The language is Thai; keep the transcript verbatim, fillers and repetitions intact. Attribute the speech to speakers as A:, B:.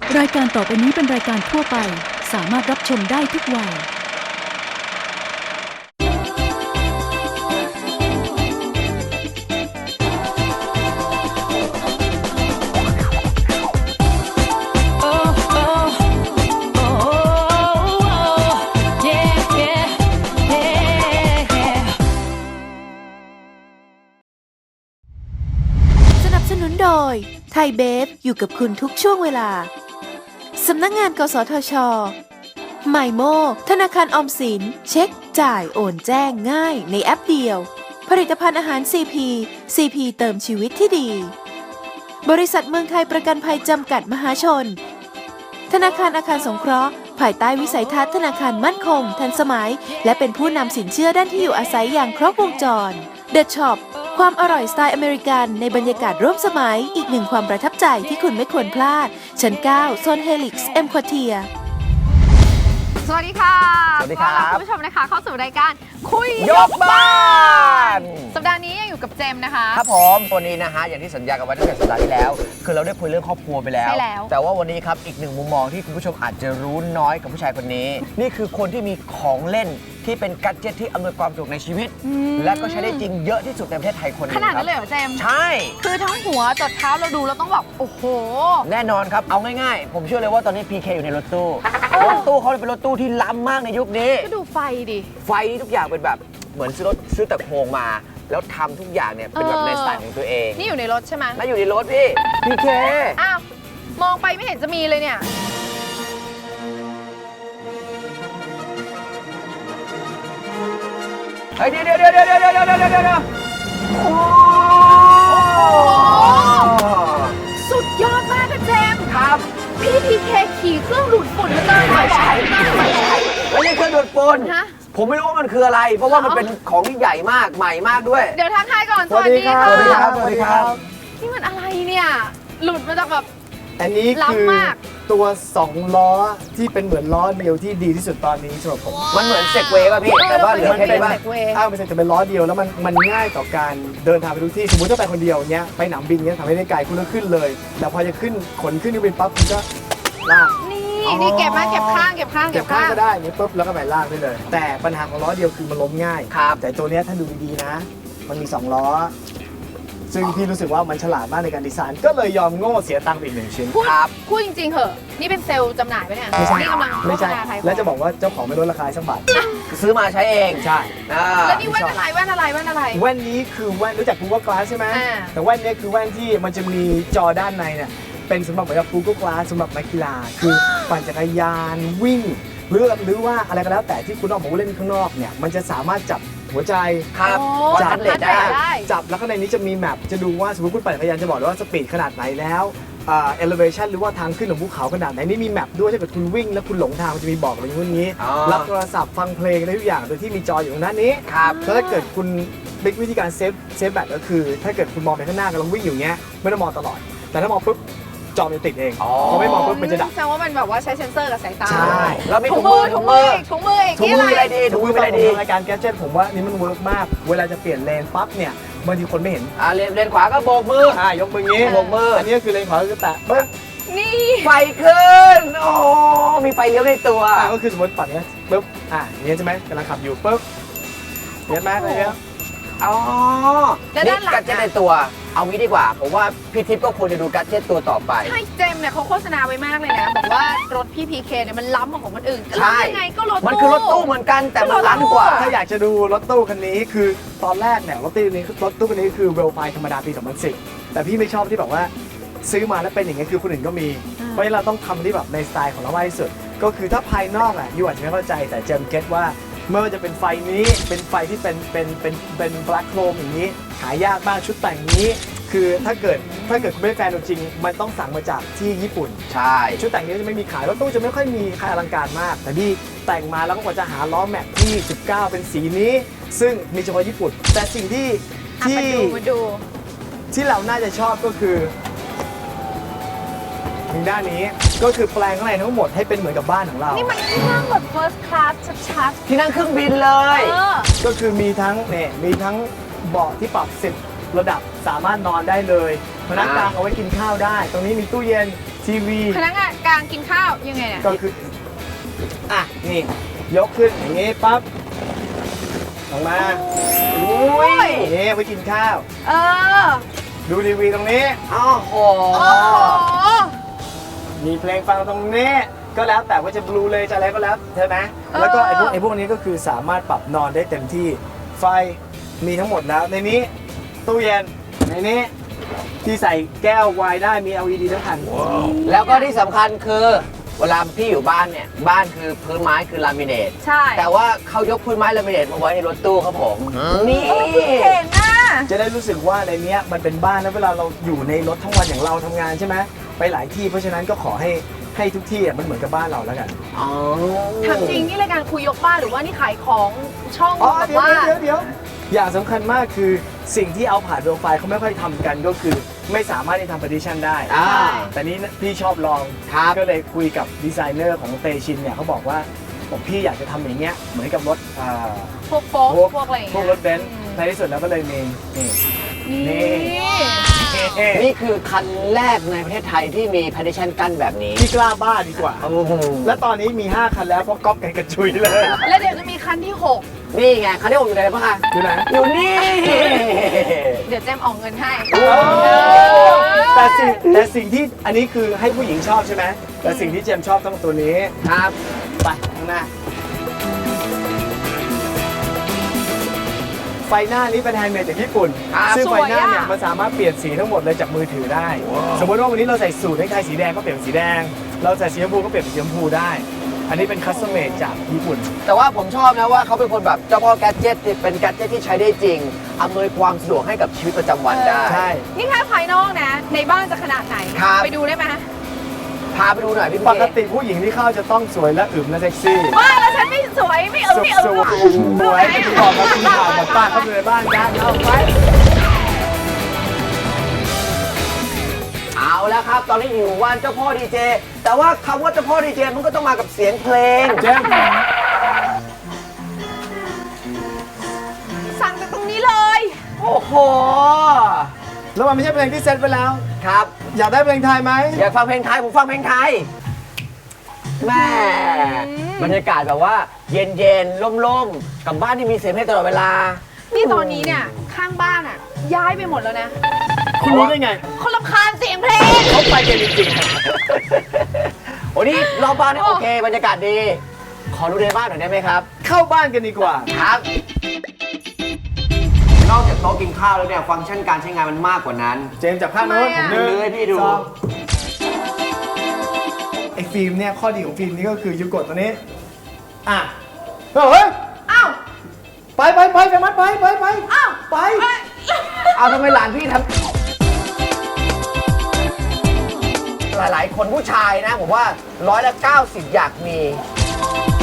A: รายการต่อไปนี้เป็นรายการทั่วไปสามารถรับชมได้ทุกวัย
B: สนับสนุนโดยไทยเบฟอยู่กับคุณทุกช่วงเวลาสำนักงานกสทช.ไมโมธนาคารออมสินเช็คจ่ายโอนแจ้งง่ายในแอปเดียวผลิตภัณฑ์อาหาร ซี พี ซี พี เติมชีวิตที่ดีบริษัทเมืองไทยประกันภัยจำกัดมหาชนธนาคารอาคารสงเคราะห์ภายใต้วิสัยทัศน์ธนาคารมั่นคงทันสมัยและเป็นผู้นำสินเชื่อด้านที่อยู่อาศัยอย่างครบวงจร The Shop ความอร่อยสไตล์อเมริกันในบรรยากาศร่วมสมัยอีกหนึ่งความประทับใจที่คุณไม่ควรพลาดชั้นเก้าโซนเฮลิกซ์เอ็มควอเทีย
C: สวัสดีค่ะ
D: สวัสดีครับ
C: ต้อนรับคุณผู้ชมนะคะเข้าสู่รายการคุย
D: ยกบ้าน
C: สัปดาห์นี้ยังอยู่กับเจมส์นะคะ
D: ครับผมวันนี้นะฮะอย่างที่สัญญากันไว้ตั้งแต่สัปดาห์ที่แล้ว คือเราได้คุยเรื่องครอบครัวไปแล้ว
C: ใช่แล้ว
D: แต่ว่าวันนี้ครับอีกหนึ่งมุมมองที่คุณผู้ชมอาจจะรู้น้อยกับผู้ชายคนนี้ นี่คือคนที่มีของเล่นที่เป็นกัจเจตที่อำนวยความสะดวกในชีวิต และก็ใช้ได้จริงเยอะที่สุดในประเทศไทยคนหนึง
C: ขนาด
D: ค
C: นั้
D: รับ
C: นเลยเหรอเจมส์
D: ใช่
C: คือทั้งหัวจดเท้าเราดูเราต้องแบบโอ้โห
D: แน่นอนครับเอาง่ายๆ ผมเชื่อเลยว่าตอนนี้ พี เค อยู่ในรถตู้รถตู้เขาเป็นรถตู้ที่ล้ำมากในยุคนี้
C: ก็ดูไฟดิ
D: ไฟทุกอย่างเป็นแบบเหมือนซื้อรถซื้อแต่โครงมา แล้วทำทุกอย่างเนี่ยเป็นแบบในสไตล์ของตัวเอง
C: นี่อยู่ในรถใช่ไหม
D: น่าอยู่ในรถพี่ พี เค
C: อ้าวมองไปไม่เห็นจะมีเลยเนี่ย
D: เฮ้ยเดี๋ยวเดี๋ยวเดี๋ยวเดี๋ยวเดี๋ยวเดี๋ยวเดี๋ยวเดี๋ยวโอ้
C: สุดยอดมากค่ะเจมส์
D: ครับ
C: พี่พีเคขี่เครื่องดูดฝุ่นมาเลยไม่ใช่ไม่ใช่
D: ไม่ใช่เครื่องดูดฝุ่น
C: ฮะ
D: ผมไม่รู้ว่ามันคืออะไร เพราะว่ามันเป็นของที่ใหญ่มากใหม่มากด้วย
C: เดี๋ยวทักทายก่อนสวัสดีค่ะ
D: สวัสดีครับสวัสดีครับ
C: นี่มันอะไรเนี่ยหลุดมาจากแบบ
E: อันนี้คือ
C: ล้ำมาก
E: ตัวสองล้อที่เป็นเหมือนล้อเดียวที่ดีที่สุดตอนนี้สำหรับผม
D: มันเหมือนเซกเวย์ป่ะพี่ แต่ว่าเหลือแค่นี้ป่ะ
E: ถ้าไม่ใช่จะเป็นล้อเดียวแล้วมันมันง่ายต่อการเดินทางไปทุกที่สมมติถ้าไปคนเดียวเนี้ยไปหนามบินเนี้ยทำให้ได้ไกลคุณก็ขึ้นเลยแต่พอจะขึ้นขนขึ้นเครื่องบินปั๊บคุณก็ลาก
C: นี่นี่เก็บมาเก็บข้างเก็บข้าง
E: เก็บข้างก็ได้เนี่ยปุ๊บแล้วก็ไปลากได้เลย แต่ปัญหาของล้อเดียวคือมันล้มง่าย
D: ครับ
E: แต่ตัวเนี้ยถ้าดูดีๆนะ มันมีสองล้อ ซึ่งพี่รู้สึกว่ามันฉลาดมากในการดีไซน์ก็เลยยอมโง่เสียตังค์ไปอีกหนึ่งชิ้น
C: พูด
D: ครับ
C: พูดจริงๆเหอะนี่เป็นเซลล์จำหน่ายไหมเนี่ย
E: ไม่ใช่
C: นี่กำลัง
E: ไม่ใช่
C: โฆษณาไทย
E: และจะบอกว่าเจ้าของไม่ลดราคาสักบาท
D: ซื้อมาใช้เอง
E: ใช่
D: อ่า
C: แล้วนี่แว่นอะไรแว่นอะไรแว่นอะไร
E: แว่นนี้คือแว่นรู้จัก Google Glass ใช่ไหม
C: อ่า
E: แต่แว่นนี้คือแว่นที่มันจะมีจอด้านในเนี่ยเป็นสำหรับเหมือนกับ Google Glass สำหรับนักกีฬา คือปั่นจักรยานวิ่งหรือหรือว่าอะไรก็แล้วแต่ที่คุณออกมาเล่นข้างนอกเนี่ยมันจะสามารถจับหัวใจ
D: ครับ
C: โอ้
D: วัด
E: จั
D: อั
E: บ
D: นเลดได้
C: ได้
E: จับแล้วข้างในนี้จะมีแมปจะดูว่าสมมติคุณปั่นจักรยานจะบอกเลยว่าสปีดขนาดไหนแล้วเอ่อ elevation หรือว่าทางขึ้นของภูเขาขนาดไหนนี่มีแมปด้วยถ้าเกิดคุณวิ่งแล้วคุณหลงทางมันจะมีบอกอะไรอย่างนี้
D: อ๋อ
E: รับโทรศัพท์ฟังเพลงได้ทุกอย่างโดยที่มีจออยู่ตรงด้านนี้
D: ครับ
E: แล้วถ้าเกิดคุณบิ๊กวิธีการเซฟเซฟแบตก็คือ ถ้าเกิดคุณมองไปข้างหน้ากำลังวิ่งอยู่เงี้ยไม่ต้องมองตลอด แต่ถ้ามองปุ๊บจอมันจะติดเอง
D: อ๋อ
E: พอไม่มองปุ๊บมันจะดับ
C: แสดงว่ามันแบบว่าใช้เซนเซอร์กับสายตา
E: ใช่
D: แล้วมี
C: ถุ
D: ถุ
C: ง
D: ง
C: มื
D: มื
C: อ
D: อ
C: ถุ
D: ถุ
C: ง
D: ง
C: มื
D: มื
C: อ
D: อ
C: อีกถุงมืออีก
D: ถุง
C: นี่
D: มื
C: อะ
D: ออะไร ไรดีถุงมืออะไรดี
E: รายการแกจ็ตผมว่านี่มันเวิร์กมาก เวลาจะเปลี่ยนเลนปั๊บเนี่ยบางทีคนไม่เห็น
D: อ่าเลนเลนขวาก็โบกมือ
E: อ่ายกมืองี้
D: โบกมืออั
E: อันนี้คือเลนขวาคือแตะปึ๊บ
C: นี่
D: ไฟขึ้น โอ้มีไฟเลี้ยวในตัว
E: อ่าก็คือสมมติปัดเนี้ยปึ๊บอ่าอย่างเงี้ยใช่ไหมกำลังขับอยู่ปึ๊บเห็นไหมอะไรเงี้ย
D: อ๋อ
C: แล้วด้านหลัง
D: กัดเจ็ตในตัว เอางี้ดีกว่า ผมว่าพี่ทิพย์ก็ควรจะดูกัดเจ็ตตัวต่อไป
C: ใช่เจมส์เนี่ยเขาโฆษณาไว้มากเลยนะบอกว่ารถพี่พีเคเนี่ยมันล้ำกว่าของคนอื่น
D: ใช่
C: แล้วยังไงก็รถ
D: มันคือรถตู้เหมือนกันแต่มันล้ำกว่า
E: ถ้าอยากจะดูรถตู้คันนี้คือตอนแรกเนี่ยรถตู้คันนี้รถตู้คันนี้คือเวลไฟธรรมดาปีสองพันสิบแต่พี่ไม่ชอบที่แบบว่าซื้อมาแล้วเป็นอย่างเงี้ยคือคนอื่นก็มี เพราะฉะนั้นเราต้องทำที่แบบในสไตล์ของเรามากที่สุด ก็คือถ้าภายนอกอ่ะยูอาจจะไม่เข้าใจแต่เจมเก็ตว่าไม่ว่าจะเป็นไฟนี้เป็นไฟที่เป็นเป็นเป็นเป็นแบล็คโครมอย่างนี้หายากมากชุดแต่งนี้ คือถ้าเกิดถ้าเกิดคุณไม่ได้แฟนตัวจริง มันต้องสั่งมาจากที่ญี่ปุ่น
D: ใช่
E: ชุดแต่งนี้จะไม่มีขายรถตู้จะไม่ค่อยมีใครอลังการมาก แต่นี่แต่งมาแล้วก็กว่าจะหาล้อแม็กที่สิบเก้าเป็นสีนี้ ซึ่งมีเฉพาะญี่ปุ่น แต่สิ่งที่
C: อ่ะ
E: ที่
C: มาดูมาดู
E: ที่เราน่าจะชอบก็คือทางด้านนี้ก็คือแปลงข้างในทั้งหมดให้เป็นเหมือนกับบ้านของเรา
C: นี่มันที่นั่งแบบ first class ชัด
D: ที่นั่งเครื่องบินเล
C: ๆ
D: ย
C: เออ
E: ก็คือมีทั้งเนี่ยมีทั้งเบาะที่ปรับสิบระดับสามารถนอนได้เลยพนักกลางเอาไว้กินข้าวได้ ตรงนี้มีตู้เย็นทีวี
C: พนักงานกลางกินข้าวยังไงเนี่ย
E: ก็คือ อ่ะ นี่ ยกขึ้นอย่างงี้ปั๊บลงมา
C: อุ้ย
E: นี่ไปกินข้าว
C: เออ
E: ดูทีวีตรงนี้
D: อ้าวโห
C: โอ้โห
E: มีเพลงฟังตรงนี้ ก็แล้วแต่ว่าจะบลูเลยจะอะไรก็แล้วใช่ไหมแล้วก็ไอ้พวกไอ้พวกนี้ก็คือสามารถปรับนอนได้เต็มที่ ไฟมีทั้งหมดแล้ว ในนี้ตู้เย็น ในนี้ที่ใส่แก้วไวน์ได้มี แอล อี ดี ทั้งคัน
D: แล้วก็ที่สำคัญคือเวลาพี่อยู่บ้านเนี่ยบ้านคือพื้นไม้คือลามิเนต
C: ใช่
D: แต่ว่าเขายกพื้นไม้ลามิเนตมาไว้ในรถตู้ครับผม นี่
C: เห็นน่ะ
E: จะได้รู้สึกว่าในเนี้ยมันเป็นบ้านแล้วเวลาเราอยู่ในรถทั้งวันอย่างเราทำงานใช่ไหมไปหลายที่เพราะฉะนั้นก็ขอให้ให้ทุกที่อ่ะมันเหมือนกับบ้านเราแล้วกัน
D: อ๋อ
C: ทำจริงนี่รายการคุยยกบ้านหรือว่านี่ขายของช่อง
E: อ๋อ
C: แบบ
E: เดี๋ยว
C: ว่า
E: เดี๋ยวเดี๋ยวอย่างสำคัญมากคือสิ่งที่เอาผ่านโปรไฟล์เขาไม่ค่อยทำกันก็คือไม่สามารถที่ทำ partition ได้
D: อ่า
E: แต่นี้พี่ชอบลอง
D: ครับ
E: ก็เลยคุยกับดีไซเนอร์ของเตชินเนี่ยเขาบอกว่าผมพี่อยากจะทำอย่างเงี้ยเหมือนกับรถอ่า
C: พวกโป๊ก
E: พวก
C: พวกอะไรอย่าง
E: พว
C: เงี้
E: ก
C: ย
E: รถเบนซ์ในที่สุดแล้วก็เลยมีนี่
C: นี่
E: เอ๊ะ
D: นี่คือคันแรกในประเทศไทยที่มี partition กั้นแบบนี้
E: พี่กล้าบ้าดีกว่า
D: โอ้โห
E: และตอนนี้มี ห้า คันแล้วเพราะก๊อปกันกระจุยเลย
C: แล้วเดี๋ยวจะมีคันที่หก
D: นี่ไงคันที่ผมอยู่ไหนบ้างคะ
E: อยู่ไหน
D: อยู่นี่
C: เดี๋ยวแจมออกเงินให้
E: โอ้แต่สิ่งแต่สิ่งที่อันนี้คือให้ผู้หญิงชอบใช่ไหมแต่สิ่งที่เจมส์ชอบต้องตัวนี้
D: ครับ
E: ไปข้างหน้า ไฟหน้านี้เป็นแฮนด์เมดจากญี่ปุ่น
D: ครับ
E: ซึ่งไฟหน้าเนี่ย
C: สวยอะ
E: มันสามารถเปลี่ยนสีทั้งหมดเลยจากมือถือได้ สมมติว่าวันนี้เราใส่สูทให้ใครสีแดงก็เปลี่ยนเป็นสีแดง เราใส่สีชมพูก็เปลี่ยนเป็นสีชมพูได้ อันนี้เป็นคัสตอมเมดจากญี่ปุ่น
D: แต่ว่าผมชอบนะว่าเขาเป็นคนแบบเจ้าพ่อแกดเจ็ตเป็นแกดเจ็ตที่ใช้ได้จริงอำนวยความสะดวกให้กับชีวิตประจำวันได้
E: ใช่
C: นี่แค่ภายนอกนะ ในบ้านจะขนาดไหน
D: ครับ
C: ไปดูได้ไหม
D: พาไปดูหน่อยพี่
E: ป
D: พี่
E: กติผู้หญิงที่เข้าจะต้องสวยและอึมและเซ็กซี่
C: ว่าแล้วฉันไม่สวยไม่เอิมไม่เอิม
E: ส
C: หร
E: ว
C: อก
E: ยสวยจะบอกมาคุณข่าวหมดป้าเข้าไปในบ้านกันเอาไป
D: เอาแล้วครับ ตอนนี้อยู่วันเจ้าพ่อดีเจแต่ว่าคำว่าเจ้าพ่อดีเจมันก็ต้องมากับเสียงเพลง
E: เจมส์
C: สั่งจากตรงนี้เลย
D: โอ้โห
E: แล้วมันไม่ใช่เพลงที่เซ็ตไปแล้ว
D: ครับ
E: อยากได้เพลงไทยไหม
D: อยากฟังเพลงไทยผมฟังเพลงไทยแม่บรรยากาศแบบว่า เย็นเย็นๆล่มๆกับบ้านที่มีเสียงเพลงตลอดเวลา
C: นี่ตอนนี้เนี่ยข้างบ้านอ่ะ ย้ายไปหมดแล้วนะ
E: คุณรู้ได้ไง
C: คนรำคาญเสียงเพลง
E: เขาไปกันจริง
D: โอ้นี่รอบบ้านเนี่ยโอเค บรรยากาศดี ขอดูในบ้านหน่อยได้ไหมครับ
E: ๆ เข้าบ้านกันดีกว่า
D: ครับ นอกจากโต๊ะกินข้าวแล้วเนี่ยฟังก์ชันการใช้งานมันมากกว่านั้น
E: เจมส์จับข้างโน้น
C: ทำไม
E: ผ
C: อะ
E: มหนึ่ง
D: เลยพี่ดู
E: สองไอ้ฟิล์มเนี่ยข้อดีของฟิล์มนี่ก็คือยูกดตัวนี้ อ่ะเฮ้ย
C: อ้าว
E: ไปไปไปไปมัดไปไปไป
C: อ้าว
E: ไป
D: เอาทำไมหลานพี่ทำหลายๆ คนผู้ชายนะผมว่าร้อยละเก้าสิบอยากมี